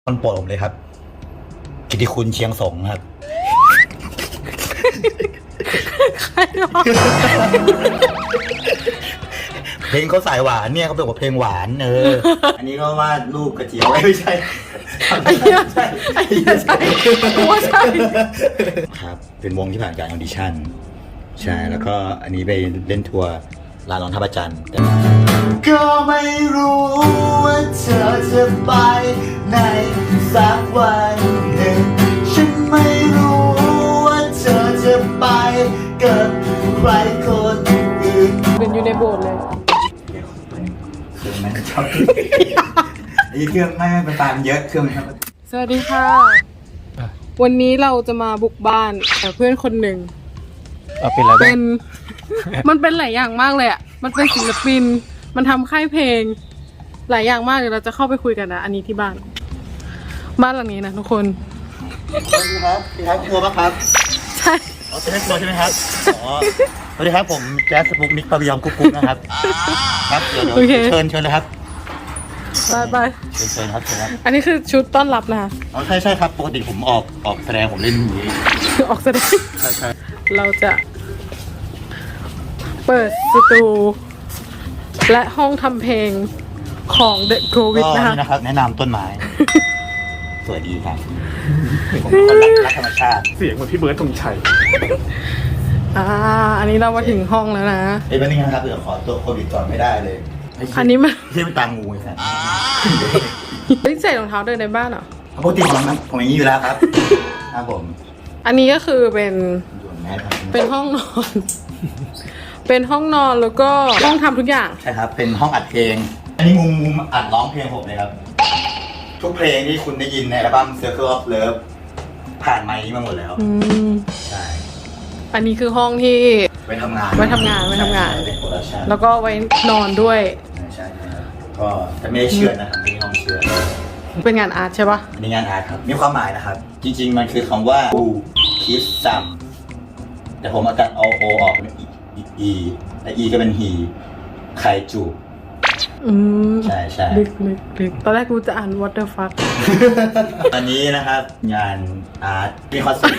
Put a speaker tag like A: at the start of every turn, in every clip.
A: คนโปรดผมเลยครับกิตติคุณเชียงสงครับ
B: ใครหรอ
A: เพลงเขาสายหวานเนี่ยเขาเป็นว่าเพลงหวานอันนี้ก็วาดรูปกระเจียวไม่ใช่
B: ไอ้เหี้ยใช่กูว่าใช่
A: ครับเป็นวงที่ผ่านการออดิชั่นใช่แล้วก็อันนี้ไปเล่นทัวร์ลานรองท่าพระจันทร์ก็ไม่รู้ว่าเธอจะไปในสักวันหนึ่งฉันไม่รู้ว่าเธอจะไปกับใครคนอื่น
B: เป็นอยู่ในโบสถ์เลย
A: เครื่องมันชอบไอ้เครื่องไม่ไปตามเยอะเครื่องครับ
B: สวัสดีค่ะวันนี้เราจะมาบุกบ้านเพื่อนคนหนึ่ง
A: เป็นอะไร
B: เป็นมันเป็นหลายอย่างมากเลยอ่ะมันเป็นศิลปินมันทำค่ายเพลงหลายอย่างมากเดี๋ยวเราจะเข้าไปคุยกันนะอันนี้ที่บ้านหลังนี้นะทุกคน
A: สวัสดีครับพี่ครับครัวปะครับ
B: ใช่
A: เป็นครัวใช่ไหมครับสวัสดีครับผมแจ๊สสปุกนิกปาบิยองกุ๊กนะครับครับเดี๋ยวเชิญเลยครับ
B: ไป
A: เชิญครับเชิญครับ
B: อันนี้คือชุดต้อนรับนะ
A: ใช่ครับปกติผมออกแสดงผมเล่นอย่างนี้
B: ออกแสดง
A: ใช่
B: เราจะเปิดสตูและห้องทำเพลงของ The Covid
A: นะครับแนะนำต้นไม้สวยดีครับผมคนรักธรรมชาติ
C: เสียงเหมือนพี่เบิร์ดธงชัย
B: อันนี้เรามาถึงห้องแล้วนะ
A: เป็นยังไงครับเดี๋ยวขอตัวโควิดก่อนไม่ได้เลย
B: อันนี้มัน
A: ที่เป็นตางูไอ้สัส
B: ใส่รองเท้าเดินในบ้านเหรอ
A: ปกติผมอย่างนี้อยู่แล้วครับครับผม
B: อันนี้ก็คือเป็นห้องนอน เป็นห้องนอนแล้วก็ห้องทำทุกอย่าง
A: ใช่ครับเป็นห้องอัดเพลงอันนี้มุมอัดร้องเพลงผมเลยครับทุกเพลงที่คุณได้ยินในอัลบั้ม Circle of Love ผ่านไมค์นี้มาหมดแล้วใช่
B: อันนี้คือห้องที่
A: ไว้ทำงาน
B: แล้วก็ไว้นอนด้วย
A: ใช่ครับก็จะไม่ได้เชื่อนะครับไม่ต้องเชื่อ
B: เป็นงานอาร์ตใช่ปะ
A: เป็นงานอาร์ตครับมีความหมายนะครับจริงๆมันคือคำว่า who kiss some แต่ผมเอาตัดเอา o ออกเป็น e และ e ก็เป็น he ใครจูบใช่
B: ลึกตอนแรกกูจะอ่าน what the fuck
A: อันนี้นะครับงานอาร์ตมีคอนเสิร์ต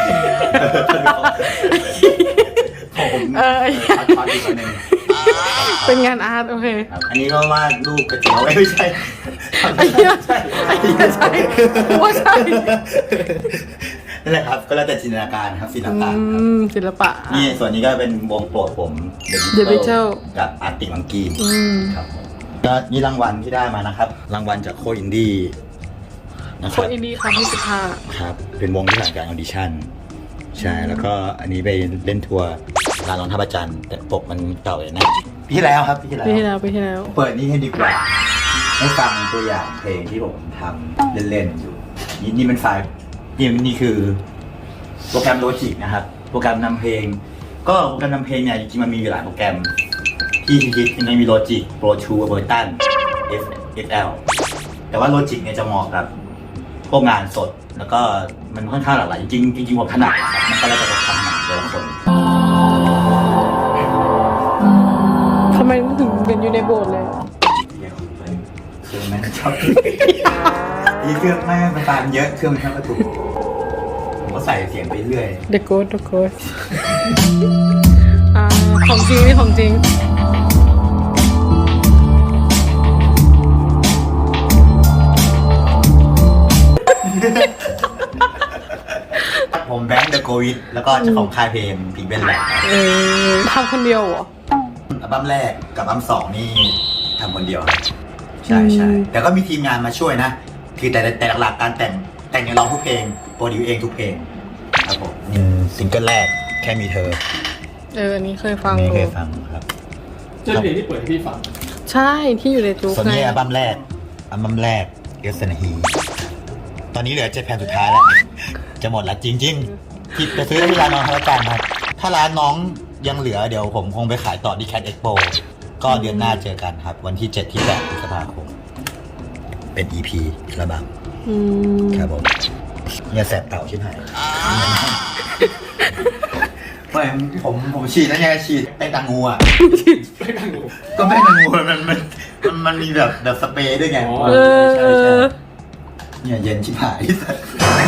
A: ผมทอดอีกคนนึง
B: เป็นงานอาร์ตโอเค
A: อันนี้ก็วาดรูปกระเจียวไม่ใช่
B: ไอ้เหี้ยใช่ว่าใช่
A: นั่นแหละครับก็แล้วแต่จินตนาการครับศิลปะนี่ส่วนนี้ก็เป็นวงโปรดผม
B: The Beatles
A: กับอาร์ติมังกี้ครับก็นี่รางวัลที่ได้มานะครับรางวัลจากโคอินดี้
B: โคอินดี้ครั้งที่15
A: ครับเป็นวงที่ผ่านการออดิชั่นใช่แล้วก็อันนี้ไปเล่นทัวร์ลานรองท่าพระจันทร์แต่ปกมันเก่าเลยนะปีที่แล้วครับปีที่แล้วเปิดนี่ให้ดีกว่าให้ฟังตัวอย่างเพลงที่ผมทำเล่นๆอยู่นี่เป็นไฟล์นี่คือโปรแกรมโลจิกนะครับโปรแกรมนำเพลงก็โปรแกรมนำเพลงเนี่ยจริงๆมันมีหลายโปรแกรมที่ฮิตๆมันมีโลจิกโปรชูเบอร์ตัน FL แต่ว่าโลจิกเนี่ยจะเหมาะกับพวกงานสดแล้วก็มันค่อนข้างหลากหลายจริงผมถนัดครับมันก็แล้วแต่ความถนัดแต่ละคน
B: ทำไมถึงเป็นอยู่ในโบสถ์เลย
A: เครื่องมันชอบอีเครื่องไม่ไปตามเยอะเครื่องมันชอบถูกผมก็ใส่เสียงไปเรื่อย
B: The Ghost ของจริงนี่ของจริง
A: ผมแบงค์เดอะโควิดแล้วก็เจ้าของค่ายเพลงพิงเบนแหละ
B: ทำคนเดียวเหรอ
A: อัลบั้มแรกกับอัลบั้ม2นี่ทำคนเดียวใช่แต่ก็มีทีมงานมาช่วยนะคือแต่หลักๆการแต่งอย่างร้องทุกเพลงโปรดิวเองทุกเพลงครับผมซิงเกิลแรกแค่มีเธอ
B: อันนี้เคยฟัง
A: ครับ
C: เจ้าเพลงที่เปิดให้พี่ฟัง
B: ใช่ที่อยู่ในจุ๊ก
A: ส่วนนี้อัลบั้มแรกเอสเซนฮีตอนนี้เหลือ7แผ่นสุดท้ายแล้วจะหมดแล้วจริงๆที่ไปซื้อที่ร้านน้องพระจันทร์ครับถ้าร้านน้องยังเหลือเดี๋ยวผมคงไปขายต่อที่แคทเอ็กโปก็เดือนหน้าเจอกันครับวันที่7ที่8พฤษภาคมเป็น EP ระบังครับผมเนี่ยแสบเต่าชิบหายผมฉีดแล้วเนี่ยฉีดแป้งตางูอ่ะก็แป้งตางูมันมีแบบสเปรย์ด้วยไงใช่เนี่ยเย็นชิบหายที่สุด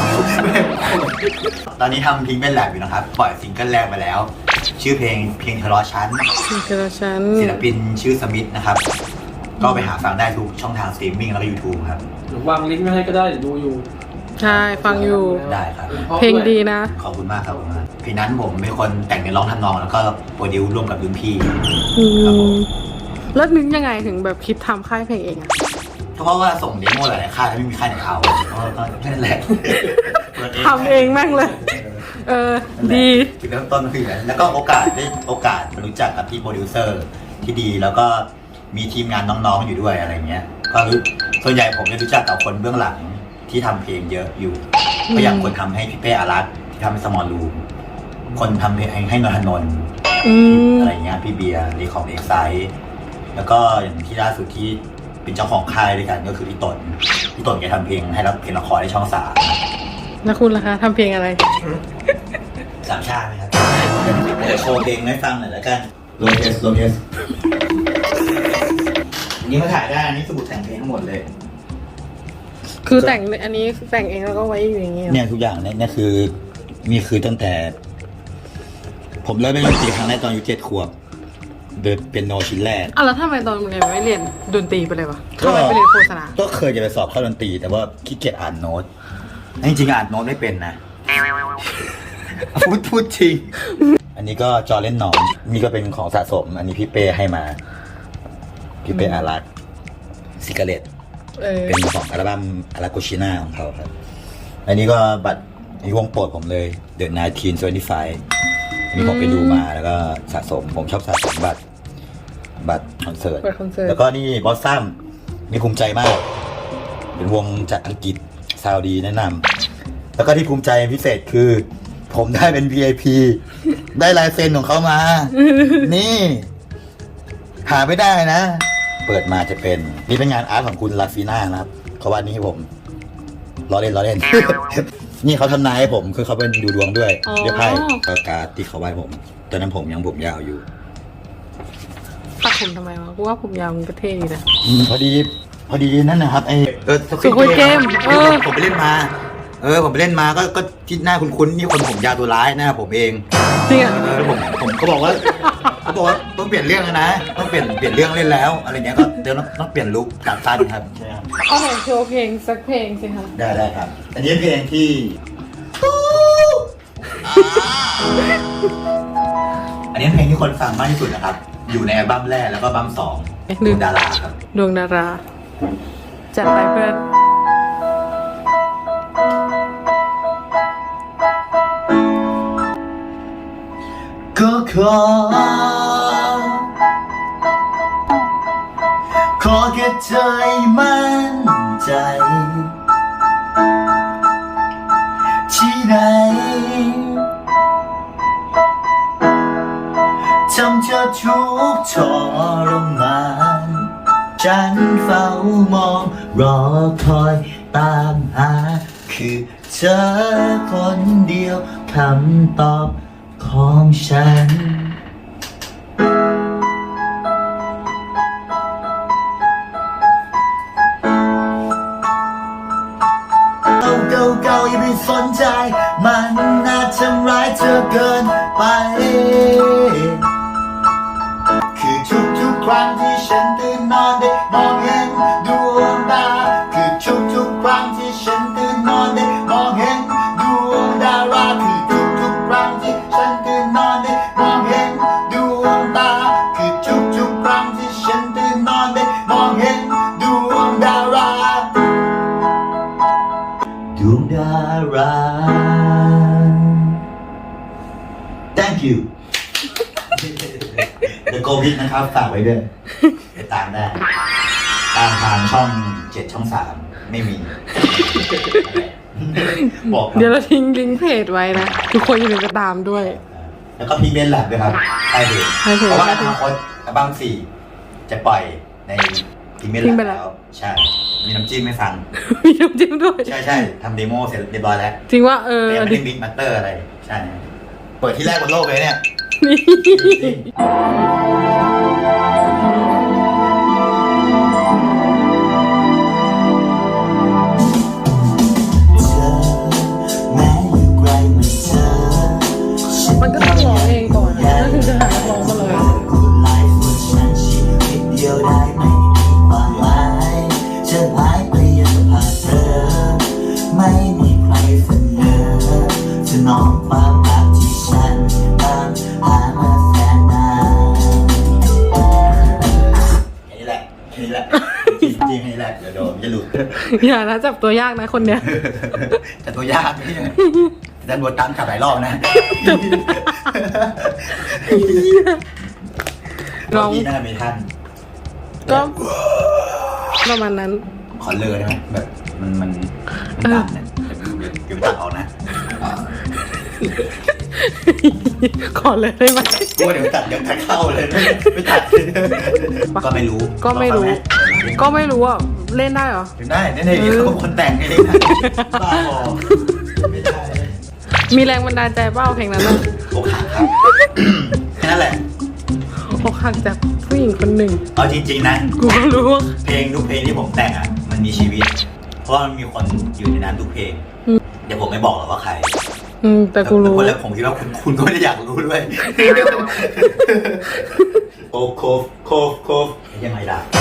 A: ตอนนี้ทำพิงเป็นแลบอยู่นะครับปล่อยซิงเกิลแรกไปแล้ว ชื่อเพลงทะเลาะชั้น
B: เจอฉัน
A: ศิลปินชื่อสมิธนะครับ ก็ไปหาฟังได้ทุกช่องทางสตรีมมิ่งแล้วก็ YouTube ครับ
C: หรือวางลิงก์ไว้ให้ก็ได้เดี๋ยวดูอยู่
B: ใช่ฟังอยู่
A: ได้ครับ
B: เพลงดีนะ
A: ขอบคุณมากครับผมเพลงนั้นผมเป็นคนแต่งเนื้อร้องทำนองแล้วก็โปรดิวร่วมกับรุ่นพี่
B: อื
A: ครับผม
B: มแล้วนึกยังไงถึงแบบคิดทำค่ายเพลงเองอะ
A: เพราะว่าส่งเดโมหลายๆค่ายแล้วไม่มีค่ายไหนเอาก็แค่นั้นแหละ
B: ทำเองแม่งเลย เออ ดี
A: จุดเริ่มต้นก็คืออย่างนั้นแล้วก็โอกาสมารู้จักกับพี่โปรดิวเซอร์ที่ดีแล้วก็มีทีมงานน้องๆอยู่ด้วยอะไรเงี้ยก็รู้ส่วนใหญ่ผมจะรู้จักกับคนเบื้องหลังที่ทำเพลงเยอะอยู่ก็อย่างคนทำให้พี่เป้อารัตน์ที่ทำให้สมอลรูมคนทำเพลงให้นนทนนท์
B: อืม
A: อะไรเงี้ยพี่เบียร์รีของเอ็กไซด์แล้วก็อย่างที่ล่าสุดที่เป็นเจ้าของค่ายด้วยกันก็คือพี่ตนแกทำเพลงให้รับเพลงละครในช่อง 3
B: แล้วคุณล่ะคะทำเพลงอะไร
A: สามชาติไหมครับเดี๋ยวโชว์เพลงให้ฟังหน่อยแล้วกันโลเอสอันนี้มาถ่ายได้อันนี้สมุดแต่งเพลงทั้งหมดเลย
B: คือแต่งอันนี้แต่งเองแล้วก็ไว้อยู่อย่างเงี้ย
A: เนี่ยทุกอย่างเนี่ยคือนี่คือตั้งแต่ ผมเริ่มเล่นดนตรีครั้งแรกตอนอายุ7 ขวบเดินเป็นโนชิ้นแรก
B: อ่ะแล้วทำไมตอนเรียนไม่เรียนดนตรีไปเลยวะทำไมไปเรียนโฆษณา
A: ก็เคยจะไปสอบเข้าดนตรีแต่ว่าขี้เกียจอ่านโน้ตจริงๆอ่านโน้ตไม่เป็นนะ พูดจริง อันนี้ก็จอเล่นหนอนนี่ก็เป็นของสะสม อันนี้พี่เป้ให้มา พี่เป้อารักซิกาเลต เป็นของอัลบั้มอาราโกชิน่าของเขาครับ อันนี้ก็บัตรนี่วงโปรดผมเลย The 1975อันนี้ผมไปดูมาแล้วก็สะสม ผมชอบสะสมบัตรคอนเสิร์ต แล้วก็นี่บอสซัมนี่ภูมิใจมาก เป็นวงจากอังกฤษซาวดีแนะนำแล้วก็ที่ภูมิใจพิเศษคือ ผมได้เป็น VIP ได้ลายเซ็นของเขามา นี่ หาไม่ได้นะ เปิดมาจะเป็นนี่เป็นงานอาร์ตของคุณลาฟีน่านะครับเขาวาดนี้ให้ผมล้อเล่น นี่เขาทำนายให้ผมคือเขาเป็นดูดวงด้วยเดี๋ยวไพ่การ์ดที่เขาวาดผมตอนนั้นผมยังยาวอยู่
B: ตัดผมทำไมวะกูว่าผมยาวมันก็เท่ดีนะ
A: พอดีนั่นนะครับไอ
B: Squid Game
A: ผมไปเล่นมาผมไปเล่นมาก็ที่หน้าคุ้นๆนี่คนผมยาวตัวร้ายหน้าผมเอง
B: จริงอ่ะ
A: ผมก็บอกว่าต้องเปลี่ยนเรื่องแล้วนะต้องเปลี่ยนเรื่องเล่นแล้วอะไรเงี้ยก็เดี๋ยวต้องเปลี่ยนลุคจากสั้นครับใช่ครับ
B: เอาไหนโชว์เพลงสักเพลงสิคะ
A: ได้ครับ อันนี้เพลงที่อันนี้เพลงที่คนฟังมากที่สุดนะครับ อยู่ในอัลบั้มแรกแล้วก็อัลบั้ม2ดวงดาราครับ
B: ดวงดาราจัดไปเพื่อน
A: ก็ขอแค่ใจมั่นใจที่ไหนทำเธอทุกข์ทรมานฉันเฝ้ามองรอคอยตามหาคือเธอคนเดียวคำตอบของฉันเก่าอย่าไปสนใจมันน่าทำร้ายเธอเกินไปคือทุกครั้งที่ฉันตื่นนอนได้มองเห็นดวงดาวคือทุกครั้งที่ฉันตื่นนอนได้มองเห็นดวงดาราคือทุกครั้งที่ฉันตื่นนอนได้มองเห็นดวงดาวคือทุกครั้งที่ฉันตื่นนอนได้มองเห็นดวงดาราดวงดารา Thank you เดอะโกวิดนะครับฝากไว้ด้วยไปตามได้ตามทางช่อง7 ช่อง 3ไม่มีบอก
B: เดี๋ยวเราทิ้งลิงก์เพจไว้นะ ทุกคนอย่าลืมไปตามด้วย
A: แล้วก็พี่เบนแลบด้วยครับใช่เพจเพราะว่าอนาคตอัลบั้ม4จะปล่อยในพี่เบนแลบแล้วใช่มีน้ำจิ้มไม่ฟัง
B: มีน้ำจิ้มด้วย
A: ใช่ทำเดโมเสร็จเรียบร้อยแล้ว
B: จริงว่า
A: แต่ยังไม่ได้มิกมาสเตอร์อะไรใช่เปิดที่แรกบนโลกเลยเนี่ย
B: อย่านะจับตัวยากนะคนเนี้ย
A: แต่ตัวยากนี่แต่บทตามขับหลายรอบนะ
B: น้อง
A: ที่น่าจะมีท่าน
B: ก็ประมาณนั้น
A: ขอเลิกได้ไหมแบบมันตัดเนี่ยเดี๋ยวตัดออกนะ
B: ขอเลยได้ไหม
A: กลัวเดี๋ยวตัดเข้าเลยไม่ตัดก็ไม่รู้
B: ก็ไม่รู้ ก็ไม่รู้อ่ะเล่นได้เหรอ
A: ได้เนี่ยเขาคนแต่งเองบ้าบอไม่ได้
B: มีแรงบันดาลใจเปล่าเพลงนั้นอ่ะ
A: อกหักครับแค่นั้นแหละ
B: อกหักจากผู้หญิงคนหนึ่ง
A: เอาจริงๆนะ
B: กูก็รู้ว่า
A: เพลงทุกเพลงที่ผมแต่งอ่ะมันมีชีวิต เพราะว่ามันมีคนอยู่ในนั้นทุกเพลงเดี๋ยวผมไม่บอกหรอกว่าใคร
B: แต่กูรู้
A: แล้วผมคิดว่าคุณก็ไม่ได้อยากรู้ด้วยโคฟยังไงล่ะ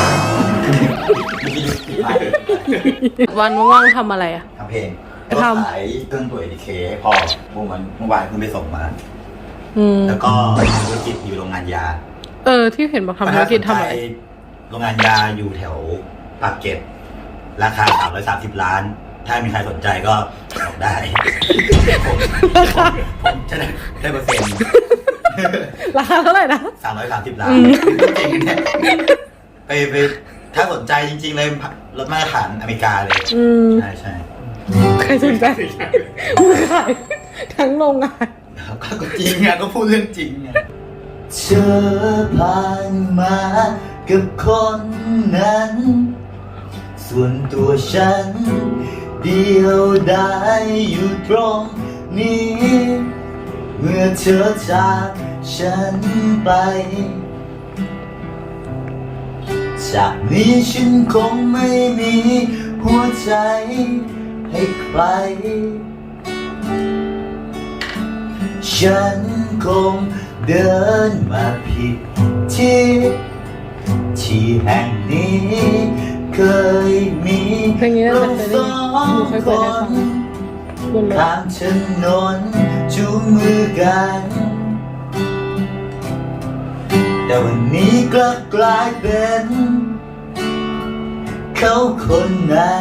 B: วันว่างๆทำอะไรอ่ะ
A: ทำเพลงแล้วก็ขายเครื่องตัว ADK ให้พ่อเมื่อวานเพิ่งไปส่งมา แล้วก็ธุรกิจอยู่โรงงานยา
B: ที่เห็นบอกทำธุรกิจทำอะไร
A: โรงงานยาอยู่แถวปากเกร็ดราคา330 ล้าน ถ้ามีใครสนใจก็บอกได้ ผมจะได้เปอร์เซ็นต์
B: ราคาเท่าไหร่นะ
A: 330 ล้านจริงเนี่ยไปถ้าสนใจจริงๆเลยรถมาตรฐานอเมริกาเลยใช่
B: ใครสนใจมึงขายทั้งโรงงาน
A: ก็จริงอ่ะก็พูดเรื่องจริงอ่ะเธอผ่านมากับคนนั้น ส่วนตัวฉันเดียวได้อยู่ตรงนี้ เมื่อเธอจากฉันไป จากนี้ฉันคงไม่มีหัวใจให้ใคร ฉันคงเดินมาผิดที่แห่งนี้เคยมี
B: เพลงนี้น่า
A: เรา
B: จะเคย
A: ส
B: ได้
A: อ
B: ยิน
A: ง
B: เคย
A: ค
B: เปิดให้ฟั
A: น
B: งบนรถ
A: ข้ามถนนจูงมือกัน แต่วันนี้กลับกลายเป็นเขาคนนั้น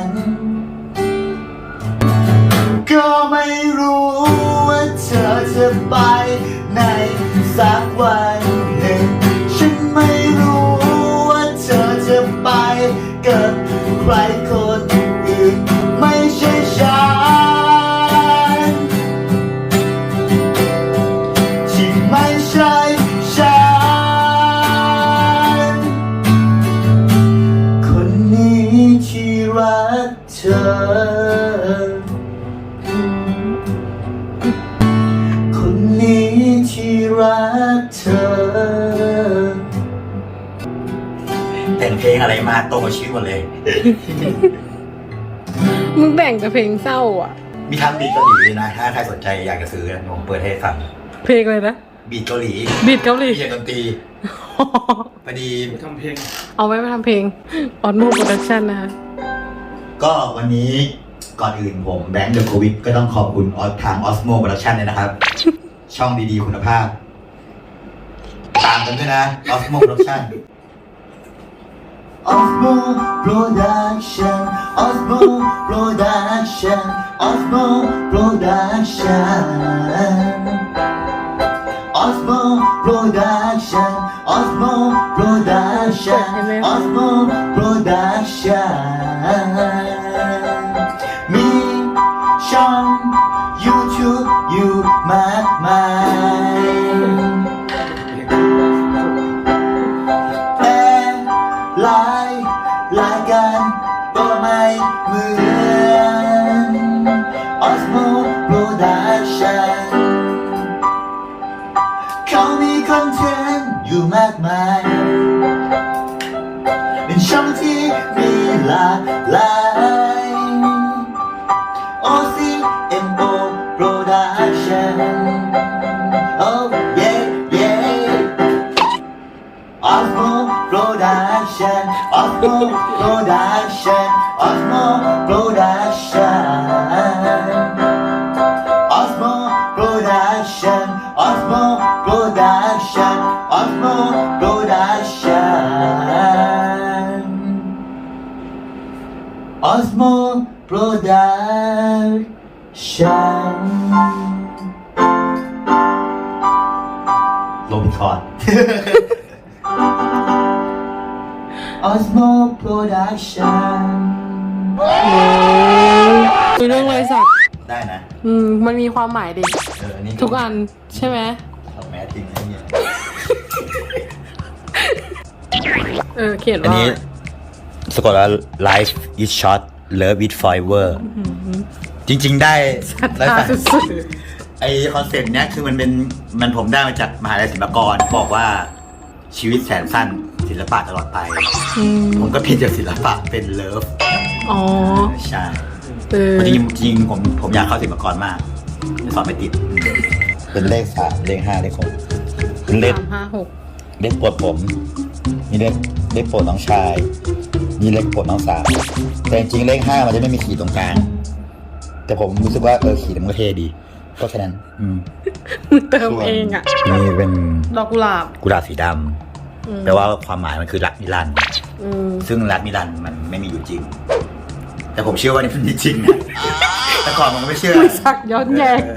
A: ก็ไม่รู้ว่าเธอจะไปในสักวันหนึ่ง ฉันไม่รู้ว่าเธอจะไปกับใครคนอื่นไม่ใช่ฉันที่ไม่ใช่ฉันคนนี้ที่รักเธอคนนี้ที่รักเธอแต่งเพลงอะไรมาตรงกับชีวิตหมดเลย
B: มึงแต่งแต่เพลงเศร้าอ่ะ
A: มีทั้งบีทเกาหลีด้วยนะ ถ้าใครสนใจอยากจะซื้อผมเปิดให้ฟัง
B: เพลงอะไรนะ
A: บีทเกาหลี
B: บีทเกาหลี
A: เขียนดนตรีพอดี
C: ไปทำเพลง
B: เอาไว้มาทำเพลงออนโมโปรดักชั่นนะคะ
A: ก็วันนี้ก่อนอื่นผมแบงค์เดอะโควิดก็ต้องขอบคุณทาง Osmo Production เลยนะครับ ช่องดีๆคุณภาพ ตามกันด้วยนะ Osmo Production Osmo Production Osmo Production Osmo Production Osmo Production Osmo Production Osmo Production มีช่อง YouTube อยู่มากมายแต่รายการก็ไม่เหมือน Osmo Production เขามีคอนเทนต์อยู่มากมายเป็นช่องที่มีหลากหลาย OCMO Production Oh yeah yeah Osmo Production Osmo Production Osmo Production Osmo Production Osmo Production Osmo Production Osmo ฉันลงคอร์ด Osmo Production
B: คุยเรื่องรอยสัก
A: ได้นะ
B: มันมีความหมายดิ
A: นี่
B: ทุกอันใช่ไหม
A: เอาแม้ทิ้งไอ้เนี่ย
B: เขียน
A: อัน
B: ว่า
A: นี้สะกดว่า Life is short love is forever จริงๆได้
B: ตาสุด
A: ไอคอนเซ็ปต์เนี้ยคือมันผมได้มาจากมหาลัยศิลปากรบอกว่าชีวิตแสนสั้นศิลปะตลอดไป ผมก็เปลี่ยนจากศิลปะเป็นเลิฟ
B: อ๋อ
A: ใช่จริงผมอยากเข้าศิลปากรมากแต่สอบไม่ติด เป็นเลข3เลข5เลข6เป็นเลข
B: 3 5 6
A: เลขโปรดผมมีเลขโปรดน้องชายมีเลขโปรดน้องสาวแต่จริงๆเลข5มันจะไม่มีขีดตรงกลางแต่ผมรู้สึกว่าขีดมันก็เท่ดีก็แค่นั้น
B: เติมเองอ่ะ
A: นี่เป็น
B: ดอกกุหลาบ
A: สีดำแปลว่าความหมายมันคือรักนิรันดร์ซึ่งรักนิรันดร์มันไม่มีอยู่จริงแต่ผมเชื่อว่านี่มันมีจริงนะแต่ก่อนผมก็ไม่เชื่อ
B: สักย้อนแย้ง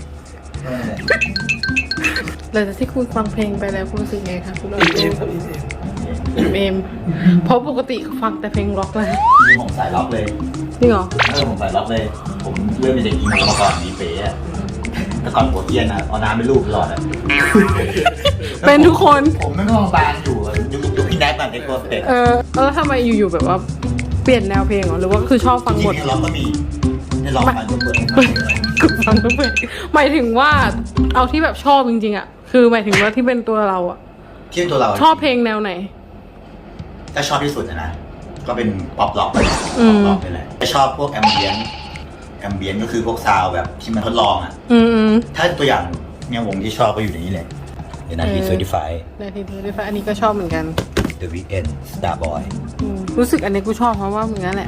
B: หลังจากที่คุณฟังเพลงไปแล้วคุณรู้สึกไงคะคุณเอมเพราะปกติฟังแต่เพลงร็อกเลย
A: ผมสายล็อกเลย
B: จริงเหรอ
A: ผมสายล็อกเลยผมเริ่มเป็นเด็กอีโมมาก่อนมีเป๋อะแต่ก่อนปวดเยียนอะเอาน้ำเป็นลูกตลอดอะ
B: เป็นทุกคน
A: ผมไม่ต้องบางอยู่ยุคพี่แนทมันเด็กตัวเป็ด
B: แล้วทำไมอยู่ๆแบบว่าเปลี่ยนแนวเพลงเหรอหรือว่าคือชอบฟังบท
A: ล็อกก็มีในล็อกฟังทุกคน
B: ฟังทุกเพลงหมายถึงว่าเอาที่แบบชอบจริงๆอะคือหมายถึงว่าที่เป็นตัวเราอะ
A: ที่ตัวเรา
B: ชอบเพลงแนวไหน
A: ถ้าชอบที่สุดนะก็เป็นป๊อปล็อกไปเลยป๊อปล็อกไปเลยถ้าชอบพวกแอมเบียนก็คือพวกซาวแบบที่มันทดลองอ่ะถ้าตัวอย่างเนี่ยวงที่ชอบก็อยู่ในนี้เลยเดี๋ยวนาที35
B: อันนี้ก็ชอบเหมือนกัน
A: The Weeknd Starboy
B: รู้สึกอันนี้กูชอบเพราะว่าเหมือนกันแหละ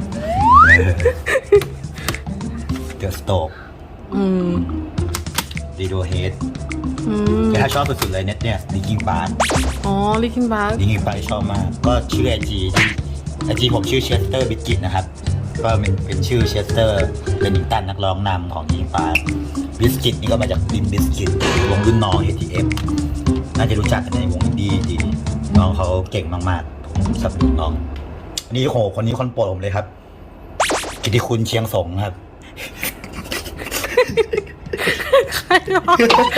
A: The Stove Radiohead แต่ถ้าชอบสุดๆเลยเนี่ย Linkin Park
B: Linkin Park
A: ชอบมากก็ชื่อไอจีผมชื่อเชสเตอร์บิสกิตนะครับก็เป็นชื่อเชสเตอร์เป็นนิงตันนักร้องนำของLinkin Parkบิสกิตนี่ก็มาจากลิมบิสกิตวงรุ่นน้อง ATM น่าจะรู้จักกันในวงอินดี้ดีน้องเขาเก่งมากๆผมสนับสนุนน้องนี่โหคนนี้คนโปรดผมเลยครับกิติคุณเชียงสงครับ
B: ใครวะ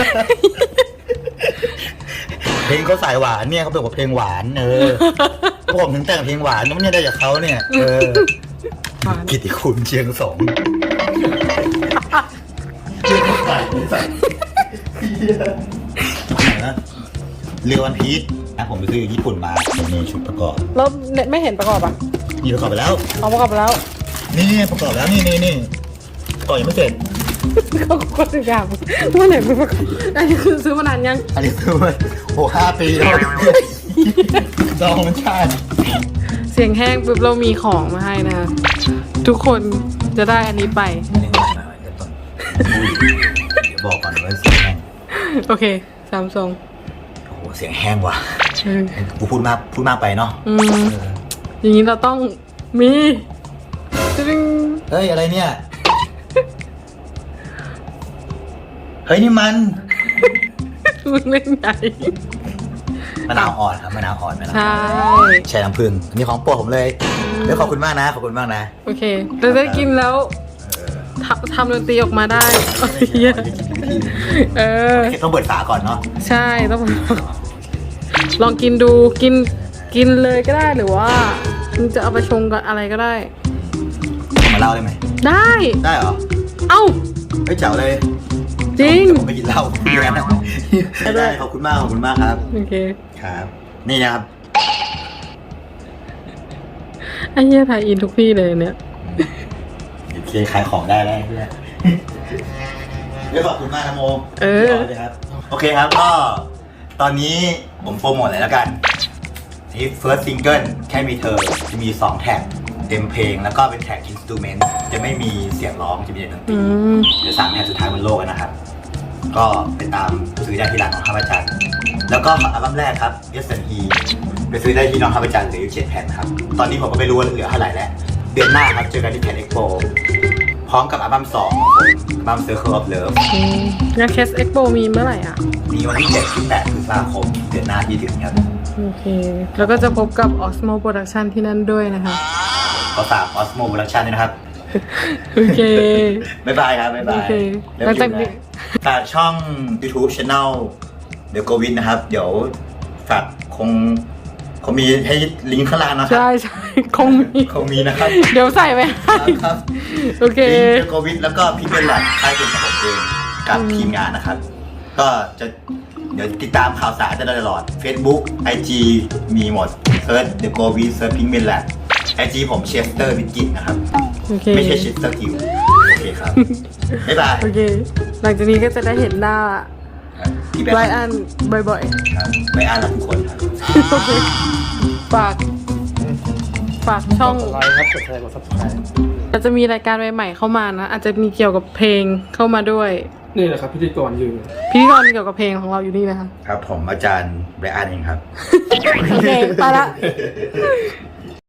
A: เพลงเขาสายหวานเนี่ยเขาเป็นเพลงหวานผมถึงแต่งเพลงหวานน้องเนี่ยได้จากเขาเนี่ยกิติคุณเชียงสงเรือวันพีชนะผมไปซื้อญี่ปุ่นมามีชุดประกอบ
B: แล้วไม่เห็นประกอบอ่ะ
A: มีประกอบไปแล้ว
B: ประกอบไปแล้ว
A: นี่ประกอบแล้วนี่ประกอบยังไม่เสร็จ
B: ก็ทุกอย่างเมื่อไหร่ไม่ประกอบอันนี้คือซื้อมานานยัง
A: อันนี้ซื้อมา5 ปีแล้วดองมันชาติ
B: เสียงแห้งปุ๊บเรามีของมาให้นะทุกคนจะได้อันนี้ไป
A: บอกก่อนว่าเสียงแห้ง
B: โอเคSamsung
A: โอ้โหเสียงแห้งว่ะกูพูดมากไปเนาะ
B: อย่างนี้เราต้องมี
A: เฮ้ยอะไรเนี่ยเฮ้ยนี่มัน
B: เล่นใหญ่
A: มะนาวอ่อนครับมะนาวอ่อนใช่น้ำผึ้งอันนี้ของโปรดผมเลยขอบคุณมากนะ
B: โอเคจะได้กินแล้วทำดนตรีออกมาได้
A: ต้องเปิดฝาก่อนเนาะ
B: ใช่ต้องลองกินดูกินเลยก็ได้หรือว่ามึงจะเอาไปชงกับอะไรก็ได้
A: มาเล่าได้ไหมได้เหรอ
B: เอ้า
A: ไม่เจ๋วเลย
B: จริง
A: ผมไม่กินเหล้าได้ขอบคุณมากครับ
B: โอเค
A: ครับนี่นะครับ
B: ไอ้เหี้ยถ่ายอินทุกที่เลยเนี่ย
A: โอเคขายของได้แล้วเดี๋ยวขอบคุณมากนะโมครับโอเคครับก็ตอนนี้ผมโปรโมทเลยแล้วกันนี่ first single แค่มีเธอจะมี2แท็กเต็มเพลงแล้วก็เป็นแท็กอินสตูเมนต์จะไม่มีเสียงร้องจะมีแต่ดนตรีเดี๋ยว3แท็กสุดท้ายบนโลกนะครับก็ไปตามซื้อได้ที่ร้านน้องข้าวจันทร์แล้วก็อัลบั้มแรกครับ S&E ไปซื้อได้ที่น้องข้าวจันทร์เหลืออยู่7 แผ่นครับตอนนี้ผมก็ไม่รู้ว่าเหลือเท่าไหร่แล้วเดือนหน้าครับเจอกันที่แผ่นเอ็กโปพร้อมกับอัลบั้ม2ของผมอัลบั้ม Circle of Love
B: งานเคสเอ็กโปมีเมื่อไหร่อ่ะ
A: มีวันที่7 ที่ 8 พฤษภาคมเดือนหน้าที่ถึงครับ
B: โอเค แล้วก็จะพบกับ Osmo Production ที่นั่นด้วยนะคะ
A: ขอฝาก Osmo Production ด้วยนะครับ
B: โอเค
A: บ๊ายบายครับ บ๊ายบา
B: โอย เค
A: เริ่ม
B: แล้วจาก
A: อยู่
B: นี้
A: นะฝากช่อง YouTube Channel The Covid นะครับ เดี๋ยวฝากคงมีให้ลิงก์ข้างล่างนะครั
B: ใช่ใช่คงมี
A: คงมีนะครับ
B: เดี๋ยวใส่ไปให้
A: ครับ
B: โอเค
A: ลิงก์ The Covid แล้วก็พี่เป็นหลักค่ายเป็นของผมเองกับทีมงานนะครับ ก็จะเดี๋ยวติดตามข่าวสารได้ตลอด Facebook IG มีหมดเซิร์ช The Covid เซิร์ชพิงเป็นแหละ IG ผมเชสเตอร์วิกิตนะครับ
B: โอเค
A: ไม่ใช่เชสเตอร์กิวโอเคครับ บ๊ายบาย
B: โอเค หลังจากนี้ก็จะได้เห็นหน้า
A: พี่แบ
B: ไบร
A: งค์
B: อันบ่อย
A: ครับไม่อ่านแล้วทุกคนครับ
B: ๆ โอเคฝากช่อง
C: กดไลค์ครับกดแชร์กด subscribe
B: เราจะมีรายการใหม่ๆเข้ามานะ อาจจะมีเกี่ยวกับเพลงเข้ามาด้วย
C: นี่แหละครับพิธีกรยืน
B: พิธีกรเกี่ยวกับเพลงของเราอยู่นี่นะคะ
A: ครับผมอาจารย์ไบรอันเองครับ
B: โอเค ไปละ